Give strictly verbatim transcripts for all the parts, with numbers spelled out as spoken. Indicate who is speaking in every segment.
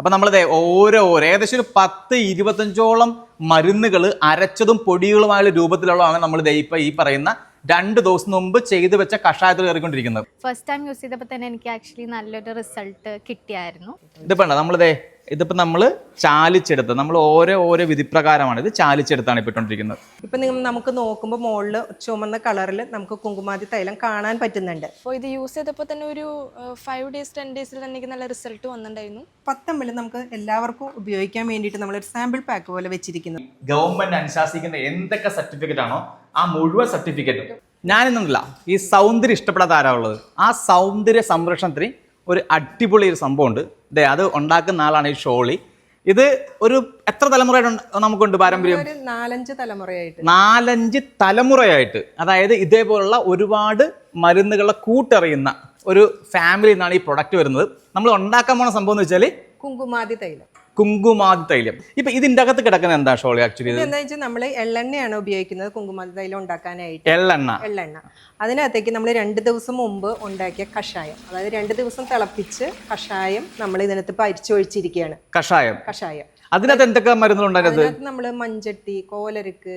Speaker 1: അപ്പൊ നമ്മളിത് ഓരോ ഓരോ ഏകദേശം ഒരു പത്ത് ഇരുപത്തഞ്ചോളം മരുന്നുകൾ അരച്ചതും പൊടികളുമായുള്ള രൂപത്തിലുള്ളതാണ് നമ്മൾ ഇപ്പൊ ഈ പറയുന്ന രണ്ട് ദിവസം മുമ്പ് ചെയ്തു വെച്ച കഷായത്തിൽ കയറിക്കൊണ്ടിരിക്കുന്നത്.
Speaker 2: ഫസ്റ്റ് ടൈം യൂസ് ചെയ്തപ്പോൾ തന്നെ എനിക്ക് ആക്ച്വലി നല്ലൊരു റിസൾട്ട് കിട്ടിയായിരുന്നു.
Speaker 1: ഇതിപ്പോ നമ്മളിതേ ഇതിപ്പോ നമ്മള് ചാലിച്ചെടുത്ത് നമ്മൾ ഓരോ ഓരോ വിധിപ്രകാരമാണ് ഇത് ചാലിച്ചെടുത്താണ് ഇപ്പൊ ഇട്ടുകൊണ്ടിരിക്കുന്നത്.
Speaker 3: ഇപ്പൊ നിങ്ങൾ നമുക്ക് നോക്കുമ്പോൾ മുകളിൽ ചുമന്ന കളറിൽ നമുക്ക് കുങ്കുമാതി തൈലം കാണാൻ പറ്റുന്നുണ്ട്.
Speaker 4: അപ്പോൾ ഇത് യൂസ് ചെയ്തപ്പോൾ തന്നെ ഒരു ഫൈവ് ഡേയ്സ് ടെൻ ഡേയ്സിൽ തന്നെ എനിക്ക് നല്ല റിസൾട്ട് വന്നിട്ടുണ്ടായിരുന്നു.
Speaker 3: പത്തമ്പിൽ നമുക്ക് എല്ലാവർക്കും ഉപയോഗിക്കാൻ വേണ്ടിയിട്ട് നമ്മളൊരു സാമ്പിൾ പാക്ക് പോലെ വെച്ചിരിക്കുന്നത്.
Speaker 1: ഗവൺമെന്റ് അനുശാസിക്കുന്ന എന്തൊക്കെ സർട്ടിഫിക്കറ്റ് ആണോ ആ മുഴുവൻ സർട്ടിഫിക്കറ്റും ഞാനിന്നില്ല ഈ സൗന്ദര്യം ഇഷ്ടപ്പെടാത്ത ആരാ ഉള്ളത്. ആ സൗന്ദര്യ സംരക്ഷണത്തിന് ഒരു അടിപൊളി ഒരു സംഭവമുണ്ട്. ഇതേ അത് ഉണ്ടാക്കുന്ന ആളാണ് ഈ ഷോളി. ഇത് ഒരു എത്ര തലമുറയായിട്ട് നമുക്കുണ്ട് പാരമ്പര്യം?
Speaker 3: നാലഞ്ച് തലമുറയായിട്ട്
Speaker 1: നാലഞ്ച് തലമുറയായിട്ട് അതായത് ഇതേപോലുള്ള ഒരുപാട് മരുന്നുകളെ കൂട്ടറിയുന്ന ഒരു ഫാമിലിയിൽ നിന്നാണ് ഈ പ്രൊഡക്റ്റ് വരുന്നത്. നമ്മൾ ഉണ്ടാക്കാൻ പോണ സംഭവം എന്ന് വെച്ചാൽ
Speaker 3: കുങ്കുമാതി തൈലം.
Speaker 1: കുങ്കുമാതി തൈലം. ഇപ്പൊ ഇതിന്റെ അകത്ത് കിടക്കുന്ന എന്താ ഷോളി? ആക്ച്വലി
Speaker 3: എന്താ വെച്ചാൽ നമ്മൾ എള്ളെണ്ണയാണ് ഉപയോഗിക്കുന്നത് കുങ്കുമാതി തൈലം ഉണ്ടാക്കാനായിട്ട്.
Speaker 1: എള്ളെണ്ണ
Speaker 3: എള്ളെണ്ണ അതിനകത്തേക്ക് നമ്മൾ രണ്ട് ദിവസം മുമ്പ് ഉണ്ടാക്കിയ കഷായം, അതായത് രണ്ട് ദിവസം തിളപ്പിച്ച് കഷായം നമ്മൾ ഇതിനകത്ത് പരിച്ചൊഴിച്ചിരിക്കുകയാണ്.
Speaker 1: കഷായം
Speaker 3: കഷായം
Speaker 1: അതിനകത്ത് എന്തൊക്കെ മരുന്നുകളുണ്ടായത്?
Speaker 3: നമ്മൾ മഞ്ചട്ടി, കോലരക്ക്,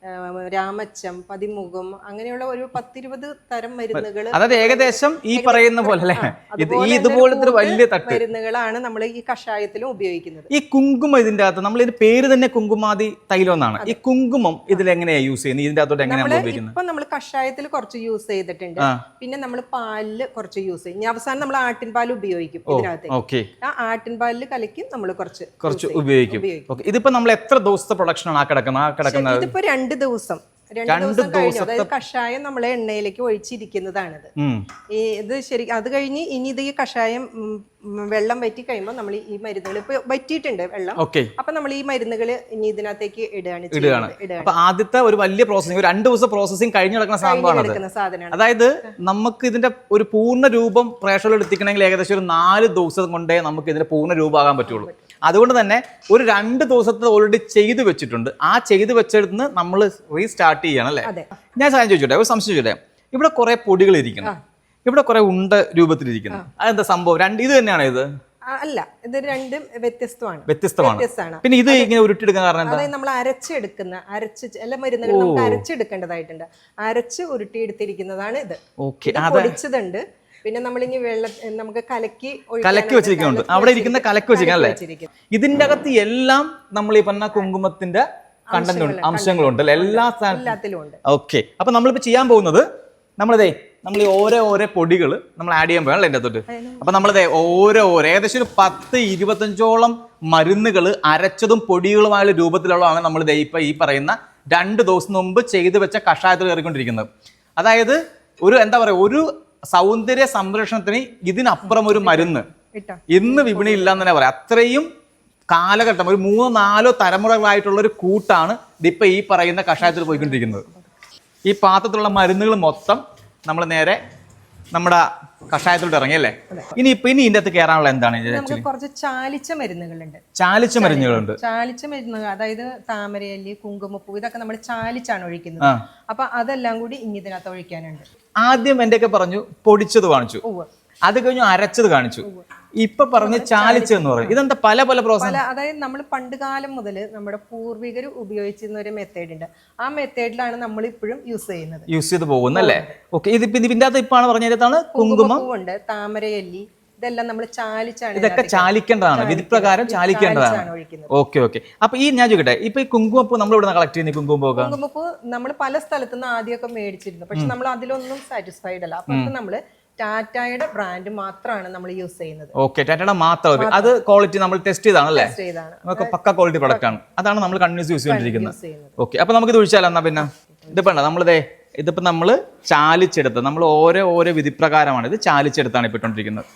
Speaker 3: രാമച്ചം, പതിമുഖം, അങ്ങനെയുള്ള ഒരു പത്തിരുപത് തരം മരുന്നുകൾ.
Speaker 1: അതായത് ഏകദേശം ഈ പറയുന്ന പോലെ ഇതുപോലത്തെ വലിയ തട്ട്
Speaker 3: മരുന്നുകളാണ് നമ്മൾ ഈ കഷായത്തിലും ഉപയോഗിക്കുന്നത്.
Speaker 1: ഈ കുങ്കുമം ഇതിന്റെ അകത്ത് നമ്മൾ ഇതിന്റെ പേര് തന്നെ കുങ്കുമാതി തൈലം എന്നാണ്. ഈ കുങ്കുമം ഇതിൽ എങ്ങനെയാ യൂസ് ചെയ്യുന്നത്? ഇതിന്റെ അകത്തോട്ട് എങ്ങനെയാണ് ഉപയോഗിക്കുന്നത്?
Speaker 3: ഇപ്പൊ നമ്മൾ കഷായത്തിൽ കുറച്ച് യൂസ് ചെയ്തിട്ടുണ്ട്, പിന്നെ നമ്മൾ പാലില് കുറച്ച് യൂസ് ചെയ്യും. ഇനി അവസാനം നമ്മൾ ആട്ടിൻ പാൽ ഉപയോഗിക്കും ഇതിനകത്ത്. ആ ആട്ടിൻ പാലില് കലക്കി നമ്മൾ കുറച്ച്
Speaker 1: കുറച്ച് ഉപയോഗിക്കും. ഇതിപ്പോ നമ്മൾ എത്ര ദിവസത്തെ പ്രൊഡക്ഷൻ ആണ് ആ കിടക്കുന്നത്? ആ കിടക്കുന്നത്
Speaker 3: ഇതിപ്പോ രണ്ട് ദിവസം രണ്ട് ദിവസം കഴിഞ്ഞു. അതായത് കഷായം നമ്മളെ എണ്ണയിലേക്ക് ഒഴിച്ചിരിക്കുന്നതാണിത്. ഈ ഇത് ശരി അത് കഴിഞ്ഞ് ഇനി ഇത് ഈ കഷായം വെള്ളം വറ്റി കഴിയുമ്പോൾ നമ്മൾ ഈ മരുന്നുകൾ ഇപ്പൊ വറ്റിയിട്ടുണ്ട് വെള്ളം. അപ്പൊ നമ്മൾ ഈ മരുന്നുകൾ ഇനി ഇതിനകത്തേക്ക് ഇടുകയാണ്
Speaker 1: ഇടുകയാണ് അപ്പൊ ആദ്യത്തെ ഒരു വലിയ പ്രോസസിംഗ് രണ്ട് ദിവസം പ്രോസസിംഗ് കഴിഞ്ഞ് നടക്കുന്ന സാധനമാണ്. അതായത് നമുക്ക് ഇതിന്റെ ഒരു പൂർണ്ണ രൂപം പ്രേക്ഷകരിൽ എത്തിക്കണമെങ്കിൽ ഏകദേശം ഒരു നാല് ദിവസം കൊണ്ടേ നമുക്ക് ഇതിന്റെ പൂർണ്ണ രൂപമാകാൻ പറ്റുള്ളൂ. അതുകൊണ്ട് തന്നെ ഒരു രണ്ട് ദിവസത്തെ ഓൾറെഡി ചെയ്തു വെച്ചിട്ടുണ്ട്. ആ ചെയ്തു വെച്ചെടുത്ത് നമ്മൾ റീസ്റ്റാർട്ട് ചെയ്യണം അല്ലേ? ഞാൻ സാധനം ചോദിച്ചോട്ടെ, ഒരു സംശയം ചോദിച്ചോട്ടെ. ഇവിടെ കുറെ പൊടികൾ ഇരിക്കണം, ഇവിടെ കുറെ ഉണ്ട രൂപത്തിലിരിക്കുന്നു. അതെന്താ സംഭവം? രണ്ട് ഇത് തന്നെയാണ് ഇത്?
Speaker 3: അല്ല, ഇത് രണ്ടും വ്യത്യസ്തമാണ്.
Speaker 1: വ്യത്യസ്തമാണ്. പിന്നെ ഇത് ഇങ്ങനെ ഉരുട്ടിയെടുക്കാൻ കാരണം എന്താ?
Speaker 3: നമ്മൾ അരച്ചെടുക്കുന്ന അരച്ച് എല്ലാ മരുന്നുകളും നമുക്ക് അരച്ചെടുക്കേണ്ടതായിട്ടുണ്ട്. അരച്ച് ഉരുട്ടിയെടുത്തിരിക്കുന്നതാണ് ഇത്. പൊടിച്ചതുണ്ട്. പിന്നെ നമ്മളിനി വെള്ളം നമുക്ക് കലക്കി
Speaker 1: കലക്കി വെച്ചിരിക്കുന്നുണ്ട്. അവിടെ ഇരിക്കുന്ന കലക്കി വെച്ചിരിക്കും. ഇതിന്റെ അകത്ത് എല്ലാം നമ്മൾ ഈ പറഞ്ഞ കുങ്കുമത്തിന്റെ കണ്ടന്റ് ഉണ്ട്, അംശങ്ങളുണ്ട്, എല്ലാ
Speaker 3: എല്ലാത്തിലും ഉണ്ട്.
Speaker 1: ഓക്കെ. അപ്പൊ നമ്മളിപ്പോ ചെയ്യാൻ പോകുന്നത് നമ്മളിതേ നമ്മൾ ഈ ഓരോ ഓരോ പൊടികൾ നമ്മൾ ആഡ് ചെയ്യാൻ പോയാണല്ലോ എൻ്റെ അകത്തോട്ട്. അപ്പൊ നമ്മളിതേ ഓരോ ഓരോ ഏകദേശം ഒരു പത്ത് ഇരുപത്തഞ്ചോളം മരുന്നുകൾ അരച്ചതും പൊടികളുമായുള്ള രൂപത്തിലുള്ളതാണ് നമ്മൾ ഇപ്പൊ ഈ പറയുന്ന രണ്ട് ദിവസം മുമ്പ് ചെയ്തു വെച്ച കഷായത്തിൽ കയറിക്കൊണ്ടിരിക്കുന്നത്. അതായത് ഒരു എന്താ പറയാ ഒരു സൗന്ദര്യ സംരക്ഷണത്തിന് ഇതിനപ്പുറം ഒരു മരുന്ന് ഇന്ന് വിപണിയിൽ ഇല്ലാന്ന് തന്നെ പറയാം. അത്രയും കാലഘട്ടം ഒരു മൂന്നോ നാലോ തലമുറകളായിട്ടുള്ള ഒരു കൂട്ടാണ് ഇതിപ്പോ ഈ പറയുന്ന കഷായത്തിൽ പോയിക്കൊണ്ടിരിക്കുന്നത്. ഈ പാത്രത്തിലുള്ള മരുന്നുകൾ മൊത്തം നമ്മൾ നേരെ നമ്മുടെ കഷായത്തിലോട്ട് ഇറങ്ങിയല്ലേ? ഇനി ഇപ്പൊ ഇനി ഇതിന്റെ അകത്ത് കയറാനുള്ള എന്താണ്?
Speaker 3: കുറച്ച് ചാലിച്ച മരുന്നുകളുണ്ട്.
Speaker 1: ചാലിച്ച മരുന്നുകളുണ്ട്
Speaker 3: ചാലിച്ച മരുന്നുകൾ അതായത് താമരയല്ലി, കുങ്കുമപ്പൂ, ഇതൊക്കെ നമ്മൾ ചാലിച്ചാണ് ഒഴിക്കുന്നത്. അപ്പൊ അതെല്ലാം കൂടി ഇനി ഇതിനകത്ത് ഒഴിക്കാനുണ്ട്.
Speaker 1: ആദ്യം എന്റെയൊക്കെ പറഞ്ഞു പൊടിച്ചത് കാണിച്ചു, അത് കഴിഞ്ഞു അരച്ചത് കാണിച്ചു, ഇപ്പൊ പറഞ്ഞ് ചാലിച്ചെന്ന് പറയും. ഇതെന്താ പല പല പ്രോസസ്?
Speaker 3: അതായത് നമ്മൾ പണ്ട് കാലം മുതൽ നമ്മുടെ പൂർവികർ ഉപയോഗിച്ചിരുന്ന ഒരു മെത്തേഡ് ഉണ്ട്. ആ മെത്തേഡിലാണ് നമ്മൾ ഇപ്പോഴും യൂസ് ചെയ്യുന്നത്,
Speaker 1: യൂസ് ചെയ്ത് പോകുന്നല്ലേ? ഓക്കെ. ഇതിപ്പോ ഇതിന്റെ അകത്ത് ഇപ്പാണ് പറഞ്ഞതാണ് കുങ്കുമം
Speaker 3: ഉണ്ട്, താമരയല്ലി, ഇതെല്ലാം നമ്മൾ ചാലിച്ചാണ്.
Speaker 1: ഇതൊക്കെ ചാലിക്കേണ്ടതാണ്, വിധിപ്രകാരം ചാലിക്കേണ്ടതാണ്. Okay okay. അപ്പൊ ഈ ഞാൻ ചോദിക്കട്ടെ, ഇപ്പൊ ഈ കുങ്കുമപ്പൂ നമ്മൾ ഇവിടെ കളക്ട് ചെയ്യുന്ന കുങ്കുമപ്പൂ
Speaker 3: കുങ്കുമപ്പൂ നമ്മൾ പല സ്ഥലത്തുനിന്ന് ആദ്യമൊക്കെ മേടിച്ചിരുന്നു. പക്ഷെ നമ്മൾ അതിലൊന്നും സാറ്റിസ്ഫൈഡ് അല്ല. അപ്പൊ നമ്മള് ടാറ്റയുടെ ബ്രാൻഡ് മാത്രമാണ് നമ്മൾ യൂസ് ചെയ്യുന്നത്.
Speaker 1: ഓക്കെ, ടാറ്റയുടെ മാത്രം. അത് ക്വാളിറ്റി നമ്മൾ ടെസ്റ്റ് ചെയ്താണല്ലേ? നമുക്ക് പക്ക ക്വാളിറ്റി പ്രൊഡക്റ്റ് ആണ്. അതാണ് നമ്മൾ കണ്ടിന്യൂസ് യൂസ് ചെയ്തിരിക്കുന്നത്. ഓക്കെ. അപ്പൊ നമുക്ക് ഇത് ഒഴിച്ചാലോ എന്നാ? പിന്നെ ഇതിപ്പോ നമ്മളിതേ ഇതിപ്പോ നമ്മള് ചാലിച്ചെടുത്ത് നമ്മൾ ഓരോ ഓരോ വിധിപ്രകാരമാണ് ഇത് ചാലിച്ചെടുത്താണ് ഇപ്പൊ ഇട്ടോണ്ടിരിക്കുന്നത്.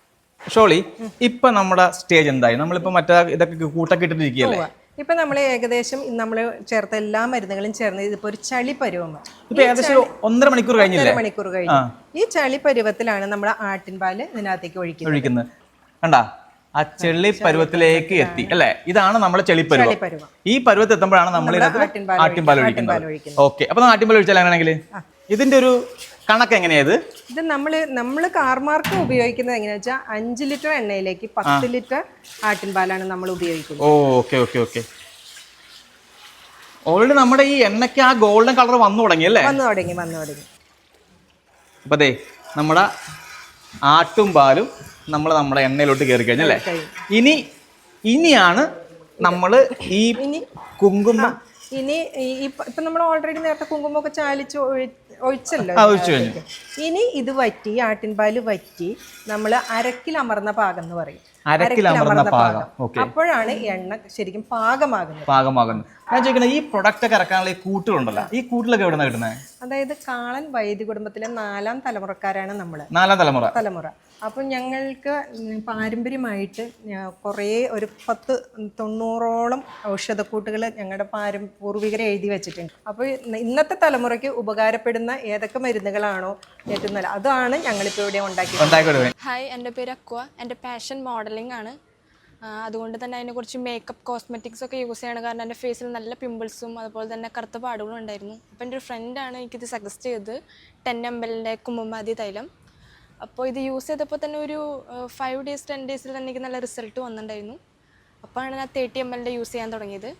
Speaker 1: ഷോളി, ഇപ്പൊ നമ്മുടെ സ്റ്റേജ് എന്തായി? നമ്മളിപ്പോ മറ്റേ ഇതൊക്കെ കൂട്ടൊക്കെ ഇട്ടിട്ടിരിക്കുകയല്ലേ?
Speaker 3: ഇപ്പൊ നമ്മൾ ഏകദേശം നമ്മൾ ചേർത്ത എല്ലാ മരുന്നുകളും ചേർന്ന് ഇതിപ്പോ ഒരു ചളി പരുവമാണ്.
Speaker 1: ഇപ്പൊ ഏകദേശം ഒന്നര മണിക്കൂർ കഴിഞ്ഞില്ലേ?
Speaker 3: മണിക്കൂർ കഴിഞ്ഞു. ഈ ചളി പരുവത്തിലാണ് നമ്മൾ ആട്ടിൻപാല് ഇതിനകത്തേക്ക് ഒഴിക്കുന്നത്.
Speaker 1: കണ്ടാ, ആ ചെളി പരുവത്തിലേക്ക് എത്തി അല്ലെ? ഇതാണ് നമ്മുടെ ചെളിപ്പരുവം. ഈ പരുവത്തിൽ എത്തുമ്പോഴാണ് നമ്മൾ ആട്ടിൻപാൽ ഒഴിക്കുന്നത്. ഓക്കെ. അപ്പൊ ആട്ടിൻപാൽ ഒഴിച്ചാൽ അങ്ങനെയാണെങ്കിൽ ഇതിന്റെ ഒരു കണക്ക് എങ്ങനെയായത്?
Speaker 3: ഇത് നമ്മൾ നമ്മൾ കാർമാർക്ക് ഉപയോഗിക്കുന്നത് എങ്ങനെയാ വെച്ചാൽ അഞ്ച് ലിറ്റർ എണ്ണയിലേക്ക് പത്ത് ലിറ്റർ ആട്ടിൻപാലാണ് നമ്മൾ ഉപയോഗിക്കുന്നത്.
Speaker 1: ഓ ഓക്കെ ഓക്കെ ഓക്കെ ഓൾറെഡി നമ്മുടെ ഈ എണ്ണയ്ക്ക് ആ ഗോൾഡൻ കളർ വന്നു തുടങ്ങി അല്ലേ?
Speaker 3: വന്നു തുടങ്ങി വന്നു തുടങ്ങി
Speaker 1: അപ്പൊ ദേ നമ്മുടെ ആട്ടും പാലും നമ്മൾ നമ്മുടെ എണ്ണയിലോട്ട് കയറി കഴിഞ്ഞല്ലേ? ഇനി ഇനിയാണ് നമ്മൾ ഈ കുങ്കുമം
Speaker 3: ഇനി ഇപ്പൊ നമ്മൾ ഓൾറെഡി നേരത്തെ കുങ്കുമൊക്കെ ചാലിച്ച് ഒഴിച്ചല്ലോ. ഇനി ഇത് വറ്റി ആട്ടിൻപാല് വറ്റി നമ്മൾ അരക്കിൽ അമർന്ന പാകം എന്ന് പറയും.
Speaker 1: അരക്കിൽ അമർന്ന പാകം.
Speaker 3: അപ്പോഴാണ് എണ്ണ ശരിക്കും പാകമാകുന്നത്.
Speaker 1: പാകമാകുന്നത് ഞാൻ ചോദിക്കുന്നത് ഈ പ്രൊഡക്റ്റ് ഒക്കെ ഇറക്കാനുള്ള ഈ കൂട്ടുകളുണ്ടല്ലോ, ഈ കൂട്ടിലൊക്കെ എവിടെ നിന്നാണ് കിട്ടുന്നത്?
Speaker 3: അതായത് കാളൻ വൈദ്യ കുടുംബത്തിലെ നാലാം തലമുറക്കാരാണ് നമ്മള്.
Speaker 1: നാലാം തലമുറ
Speaker 3: തലമുറ അപ്പം ഞങ്ങൾക്ക് പാരമ്പര്യമായിട്ട് കുറേ ഒരു പത്ത് തൊണ്ണൂറോളം ഔഷധക്കൂട്ടുകൾ ഞങ്ങളുടെ പാരം പൂർവികരെ എഴുതി വെച്ചിട്ടുണ്ട്. അപ്പോൾ ഇന്നത്തെ തലമുറയ്ക്ക് ഉപകാരപ്പെടുന്ന ഏതൊക്കെ മരുന്നുകളാണോ ഏറ്റവും നല്ല അതാണ് ഞങ്ങളിപ്പോൾ ഇവിടെ ഉണ്ടാക്കി.
Speaker 4: ഹായ്, എൻ്റെ പേര് അക്വ. എൻ്റെ പാഷൻ മോഡലിംഗ് ആണ്. അതുകൊണ്ട് തന്നെ അതിനെ കുറച്ച് മേക്കപ്പ് കോസ്മെറ്റിക്സ് ഒക്കെ യൂസ് ചെയ്യണം. കാരണം എൻ്റെ ഫേസിൽ നല്ല പിമ്പിൾസും അതുപോലെ തന്നെ കറുത്ത പാടുകളും ഉണ്ടായിരുന്നു. അപ്പോൾ എൻ്റെ ഒരു ഫ്രണ്ടാണ് എനിക്കിത് സജസ്റ്റ് ചെയ്തത്, ടെൻ എം എല്ലിൻ്റെ കുങ്കുമാതി തൈലം. അപ്പോൾ ഇത് യൂസ് ചെയ്തപ്പോൾ തന്നെ ഒരു ഫൈവ് ഡേയ്സ് ടെൻ ഡേയ്സിൽ തന്നെ എനിക്ക് നല്ല റിസൾട്ട് വന്നിട്ടുണ്ടായിരുന്നു. അപ്പോഴാണ് ഞാൻ തേർട്ടി എം എല്ലിൻ്റെ യൂസ് ചെയ്യാൻ തുടങ്ങിയത്.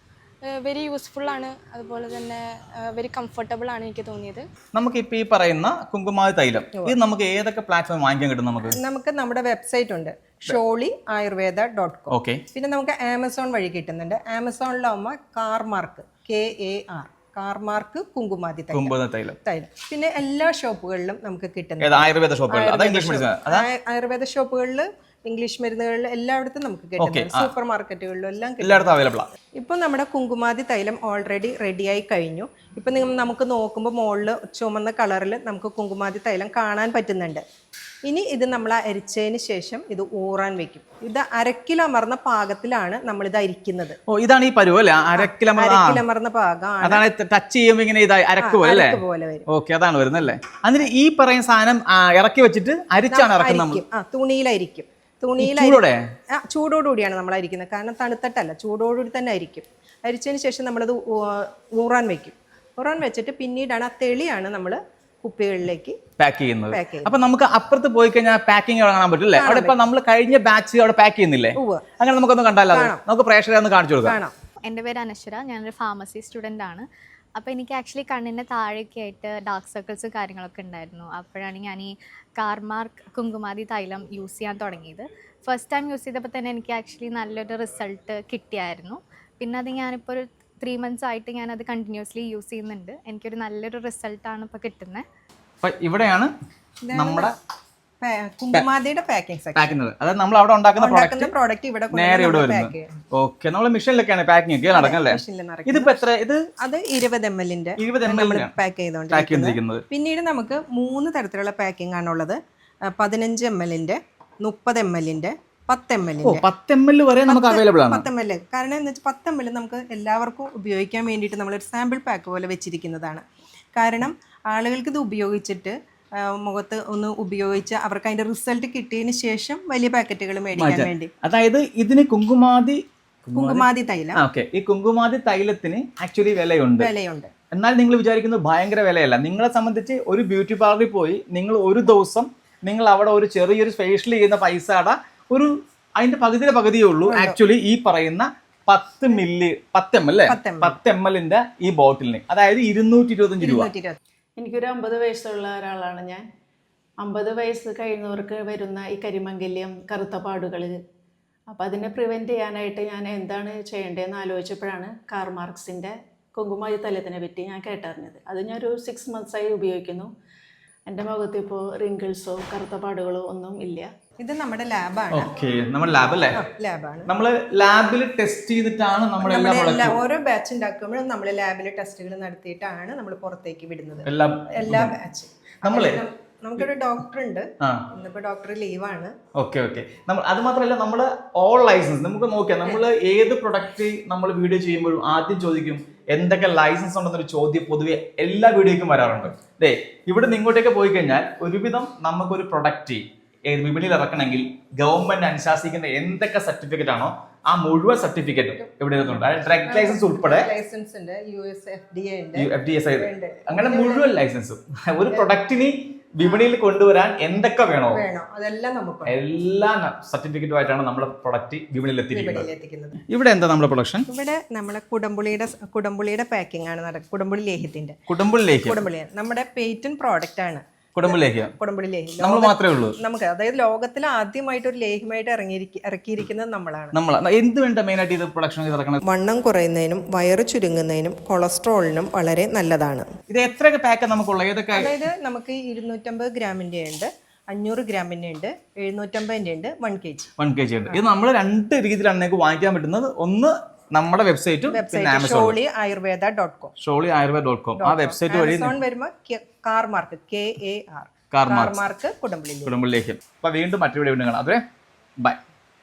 Speaker 4: വെരി യൂസ്ഫുള്ളാണ്, അതുപോലെ തന്നെ വെരി കംഫർട്ടബിൾ ആണ് എനിക്ക് തോന്നിയത്.
Speaker 1: നമുക്ക് ഇപ്പോൾ ഈ പറയുന്ന കുങ്കുമാതി തൈലം ഇത് നമുക്ക് ഏതൊക്കെ പ്ലാറ്റ്ഫോം വാങ്ങിക്കാൻ കിട്ടും? നമുക്ക്
Speaker 3: നമുക്ക് നമ്മുടെ വെബ്സൈറ്റ് ഉണ്ട്, Sholi Ayurveda dot com.
Speaker 1: Okay.
Speaker 3: പിന്നെ നമുക്ക് ആമസോൺ വഴി കിട്ടുന്നുണ്ട്. ആമസോണിലാവുമ്പോൾ Karmark K A R Karmark Kumkumadi തൈലം തൈലം. പിന്നെ എല്ലാ ഷോപ്പുകളിലും നമുക്ക് കിട്ടുന്നത്
Speaker 1: ആയുർവേദ ഷോപ്പുകളിൽ
Speaker 3: ആയുർവേദ ഷോപ്പുകളിൽ ഇംഗ്ലീഷ് മരുന്നുകളിൽ എല്ലായിടത്തും നമുക്ക് കിട്ടുന്നുണ്ട്. സൂപ്പർ മാർക്കറ്റുകളിലും എല്ലാം
Speaker 1: എല്ലായിടത്തും അവൈലബിൾ ആണ്.
Speaker 3: ഇപ്പം നമ്മുടെ കുങ്കുമാതി തൈലം ഓൾറെഡി റെഡിയായി കഴിഞ്ഞു. ഇപ്പം നിങ്ങൾ നമുക്ക് നോക്കുമ്പോൾ മുകളിൽ ചുമന്ന കളറിൽ നമുക്ക് കുങ്കുമാതി തൈലം കാണാൻ പറ്റുന്നുണ്ട്. ഇനി ഇത് നമ്മൾ അരിച്ചതിന് ശേഷം ഇത് ഊറാൻ വെക്കും. ഇത് അരക്കിലമർന്ന പാകത്തിലാണ് നമ്മളിത് അരിക്കുന്നത്.
Speaker 1: ഓ, ഇതാണ് ഈ പരുവം അല്ലേ?
Speaker 3: അരക്കിലമർന്ന പാകമാണ്.
Speaker 1: അതാണ് ടച്ച് ചെയ്യുമ്പോൾ ഇങ്ങനെ ഇതായി അരക്ക് പോലെ
Speaker 3: വരും.
Speaker 1: ഓക്കെ, അതാണ് വരുന്നല്ലേ? അതിന് ഈ പറയുന്ന സാധനം ഇറക്കി വെച്ചിട്ട് അരിച്ചാണ് ഇറക്കുന്നത്.
Speaker 3: ആ, തുണിയിലായിരിക്കും. തുണിയിൽ ചൂടോടുകൂടിയാണ് നമ്മൾ അരിക്കുന്നത്. കാരണം തണുത്തിട്ടല്ല, ചൂടോടുകൂടി തന്നെ അരിക്കും. അരിച്ചതിന് ശേഷം നമ്മളത് ഊറാൻ വെക്കും. ഊറാൻ വെച്ചിട്ട് പിന്നീടാണ് ആ തെളിയാണ് നമ്മൾ കുപ്പികളിലേക്ക്
Speaker 1: പാക്ക് ചെയ്യുന്നത്. അപ്പൊ നമുക്ക് അപ്പുറത്ത് പോയി കഴിഞ്ഞാൽ പാക്കിംഗ് കാണാൻ പറ്റില്ലേ? അവിടെ ഇപ്പൊ നമ്മൾ കഴിഞ്ഞ ബാച്ച് അവിടെ പാക്ക് ചെയ്യുന്നില്ലേ? അങ്ങനെ നമുക്കൊന്ന് കണ്ടാലോ? നമുക്ക് പ്രേക്ഷകരെ ഒന്ന് കാണിച്ചു കൊടുക്കാം.
Speaker 2: എൻ്റെ പേര് അനശ്വര, ഞാനൊരു ഫാർമസി സ്റ്റുഡൻ്റ് ആണ്. അപ്പോൾ എനിക്ക് ആക്ച്വലി കണ്ണിൻ്റെ താഴെയൊക്കെ ആയിട്ട് ഡാർക്ക് സർക്കിൾസ് കാര്യങ്ങളൊക്കെ ഉണ്ടായിരുന്നു. അപ്പോഴാണ് ഞാൻ ഈ കാർമാർക്ക് കുങ്കുമാതി തൈലം യൂസ് ചെയ്യാൻ തുടങ്ങിയത്. ഫസ്റ്റ് ടൈം യൂസ് ചെയ്തപ്പോൾ തന്നെ എനിക്ക് ആക്ച്വലി നല്ലൊരു റിസൾട്ട് കിട്ടിയായിരുന്നു. പിന്നെ അത് ഞാനിപ്പോൾ ഒരു ത്രീ മന്ത്സ് ആയിട്ട് ഞാനത് കണ്ടിന്യൂസ്ലി യൂസ് ചെയ്യുന്നുണ്ട്. എനിക്കൊരു നല്ലൊരു റിസൾട്ടാണ് ഇപ്പോൾ കിട്ടുന്നത്.
Speaker 1: ഇവിടെയാണ് നമ്മുടെ
Speaker 3: കുങ്കുമാതിയുടെ പാക്കിംഗ് സെക്ഷൻ.
Speaker 1: അതായത് നമ്മൾ അവിടെ ഉണ്ടാക്കുന്ന
Speaker 3: പ്രോഡക്റ്റ് ഇവിടെ
Speaker 1: നേരെ ഇവിടെ വരുന്നത്. ഓക്കെ, നമ്മൾ മെഷീനിലൊക്കെയാണ് പാക്കിംഗ് ഒക്കെ നടക്കല്ലേ? ഇതിപ്പോ എത്ര? ഇത്
Speaker 3: അത് ഇരുപത് എം എല്ലിന്റെ
Speaker 1: ഇരുപത് എം എൽ
Speaker 3: പാക്ക് ചെയ്തോണ്ടിരിക്കുന്നത്. പിന്നീട് നമുക്ക് മൂന്ന് തരത്തിലുള്ള പാക്കിംഗ് ആണുള്ളത്. പതിനഞ്ച് എം എല്ലിന്റെ, മുപ്പത് എം എല്ലിന്റെ, പത്ത് എം എല്ലിന്റെ.
Speaker 1: പത്ത് എം എൽ വരെ നമുക്ക് അവൈലബിൾ ആണ്.
Speaker 3: പത്ത് എം എൽ കാരണം എന്ന് വെച്ചാൽ പത്ത് എം എൽ നമുക്ക് എല്ലാവർക്കും ഉപയോഗിക്കാൻ വേണ്ടിയിട്ട് നമ്മളൊരു സാമ്പിൾ പാക്ക് പോലെ വെച്ചിരിക്കുന്നതാണ്. കാരണം ആളുകൾക്ക് ഇത് ഉപയോഗിച്ചിട്ട് മുഖത്ത് ഒന്ന് ഉപയോഗിച്ച് അവർക്ക് അതിന്റെ റിസൾട്ട് കിട്ടിയതിന് ശേഷം വലിയ പാക്കറ്റുകൾ മേടിക്കാൻ വേണ്ടി.
Speaker 1: അതായത് ഇതിന് കുങ്കുമാതി
Speaker 3: കുങ്കുമാതി തൈലം.
Speaker 1: ഓക്കെ, ഈ കുങ്കുമാതി തൈലത്തിന് ആക്ച്വലി വിലയുണ്ട്
Speaker 3: വിലയുണ്ട്
Speaker 1: എന്നാൽ നിങ്ങൾ വിചാരിക്കുന്നത് ഭയങ്കര വിലയല്ല. നിങ്ങളെ സംബന്ധിച്ച് ഒരു ബ്യൂട്ടി പാർലറിൽ പോയി നിങ്ങൾ ഒരു ദിവസം നിങ്ങൾ അവിടെ ഒരു ചെറിയൊരു ഫേഷ്യൽ ചെയ്യുന്ന പൈസയുടെ ഒരു അതിന്റെ പകുതിയുടെ പകുതിയേ ഉള്ളൂ ആക്ച്വലി ഈ പറയുന്ന പത്ത് മില്ലി പത്ത് എം എൽ അല്ലേ? പത്ത് എം എല്ലിന്റെ ഈ ബോട്ടിലിന്, അതായത് ഇരുന്നൂറ്റി ഇരുപത്തഞ്ച് രൂപ.
Speaker 5: എനിക്കൊരു അമ്പത് വയസ്സുള്ള ഒരാളാണ് ഞാൻ. അമ്പത് വയസ്സ് കഴിയുന്നവർക്ക് വരുന്ന ഈ കരിമംഗല്യം, കറുത്ത പാടുകൾ, അപ്പോൾ അതിനെ പ്രിവെൻറ്റ് ചെയ്യാനായിട്ട് ഞാൻ എന്താണ് ചെയ്യേണ്ടതെന്ന് ആലോചിച്ചപ്പോഴാണ് കാർമാർക്സിൻ്റെ കുങ്കുമാതി തൈലത്തിനെ പറ്റി ഞാൻ കേട്ടറിഞ്ഞത്. അത് ഞാനൊരു സിക്സ് മന്ത്സായി ഉപയോഗിക്കുന്നു. എൻ്റെ മുഖത്ത് ഇപ്പോൾ റിങ്കിൾസോ കറുത്ത പാടുകളോ ഒന്നും ഇല്ല.
Speaker 3: ഇത് നമ്മുടെ ലാബാണ്.
Speaker 1: ഓക്കെ, നമ്മുടെ ലാബ് അല്ലേ?
Speaker 3: ലാബാണ്.
Speaker 1: നമ്മൾ ലാബിൽ ടെസ്റ്റ് ചെയ്തിട്ടാണ് നമ്മൾ
Speaker 3: ഓരോ ബാച്ച് ഉണ്ടാക്കുമ്പോഴും നമ്മൾ ലാബിൽ ടെസ്റ്റുകൾ നടത്തിയിട്ടാണ് നമ്മൾ പുറത്തേക്ക് വിടുന്നത്. എല്ലാ ബാച്ച് നമ്മളെ നമുക്കൊരു ഡോക്ടർ ഉണ്ട്, ഇന്നിപ്പോ ഡോക്ടർ ലീവാണ്.
Speaker 1: ഓക്കെ ഓക്കെ നമ്മൾ അത് മാത്രമല്ല, നമ്മൾ ഓൾ ലൈസൻസ് നമുക്ക് നോക്കിയാൽ നമ്മൾ ഏത് പ്രൊഡക്റ്റ് നമ്മൾ വീഡിയോ ചെയ്യുമ്പോഴും ആദ്യം ചോദിക്കും എന്തൊക്കെ ലൈസൻസ് ഉണ്ടെന്നൊരു ചോദ്യം പൊതുവെ എല്ലാ വീഡിയോയ്ക്കും വരാറുണ്ട്. ദേ ഇവിടെ നിന്ന് ഇങ്ങോട്ടേക്ക് പോയി കഴിഞ്ഞാൽ ഒരുവിധം നമുക്കൊരു പ്രൊഡക്റ്റ് വിപണിയിൽ ഇറക്കണമെങ്കിൽ ഗവൺമെന്റ് അനുശാസിക്കുന്ന എന്തൊക്കെ സർട്ടിഫിക്കറ്റ് ആണോ ആ മുഴുവൻ സർട്ടിഫിക്കറ്റും ഇവിടെ ഇരുന്നുണ്ട്. ഡ്രഗ് ലൈസൻസ് ഉൾപ്പെടെ
Speaker 3: ലൈസൻസ് ഉണ്ട്, U S F D A ഉണ്ട്,
Speaker 1: എഫ് ഡി എസ് ഐ അങ്ങനെ മുഴുവൻ ലൈസൻസും. ഒരു പ്രൊഡക്റ്റിന് വിപണിയിൽ കൊണ്ടുവരാൻ എന്തൊക്കെ വേണോ
Speaker 3: വേണോ അതെല്ലാം നമുക്ക്
Speaker 1: എല്ലാ സർട്ടിഫിക്കറ്റുമായിട്ടാണ് നമ്മുടെ പ്രൊഡക്റ്റ് വിപണിയിൽ എത്തിയിരിക്കുന്നത്.
Speaker 3: എത്തിക്കുന്നത്.
Speaker 1: ഇവിടെ എന്താ നമ്മുടെ പ്രൊഡക്ഷൻ?
Speaker 3: ഇവിടെ നമ്മളെ കുടംപുളിയുടെ കുടംപുളിയുടെ പാക്കിംഗ് ആണ് നടക്കുന്നത്. കുടംപുളി ലേഹ്യത്തിന്റെ
Speaker 1: കുടംപുളി ലേഹ്യം
Speaker 3: കുടംപുളി നമ്മുടെ പേറ്റന്റ് പ്രോഡക്റ്റ് ആണ്.
Speaker 1: കുടംപുളി ലേഹ്യം
Speaker 3: കുടംപുളി ലേഹ്യം
Speaker 1: നമ്മൾ മാത്രമേ ഉള്ളൂ
Speaker 3: നമുക്ക്, അതായത് ലോകത്തിൽ ആദ്യമായിട്ട് ഒരു ലേഹ്യമായിട്ട് ഇറങ്ങിയിരിക്ക ഇറക്കിയിരിക്കുന്നത് നമ്മളാണ്.
Speaker 1: നമ്മൾ എന്ത് വേണ്ട മെയിൻ ആയിട്ട് ഇത് പ്രൊഡക്ഷൻ ഇറക്കണം?
Speaker 3: വണ്ണം കുറയുന്നതിനും വയറ് ചുരുങ്ങുന്നതിനും കൊളസ്ട്രോളിനും വളരെ നല്ലതാണ്.
Speaker 1: ഇത് എത്രയൊക്കെ പാക്ക് നമുക്കുള്ള ഏതൊക്കെ?
Speaker 3: അതായത് നമുക്ക് ഇരുന്നൂറ്റമ്പത് ഗ്രാമിന്റെ ഉണ്ട്, അഞ്ഞൂറ് ഗ്രാമിന്റെ ഉണ്ട്, എഴുന്നൂറ്റമ്പതിന്റെ ഉണ്ട്, one K G
Speaker 1: one K G ഉണ്ട്. ഇത് നമ്മൾ രണ്ട് രീതിയിലാണ് നിങ്ങൾക്ക് വാങ്ങിക്കാൻ പറ്റുന്നത്. ഒന്ന് നമ്മുടെ വെബ്സൈറ്റും പിന്നെ Amazon
Speaker 3: Sholi Ayurveda dot com
Speaker 1: Sholi Ayurveda dot com ആ വെബ്സൈറ്റ് വഴി
Speaker 3: വരുമ്പോൾ Karmark K A R
Speaker 1: 
Speaker 3: Karmark കുടംപുളി
Speaker 1: കുടംബിലേക്ക്. അപ്പൊ വീണ്ടും മറ്റൊരു വീഡിയോ കാണാം. അതെ ബൈ.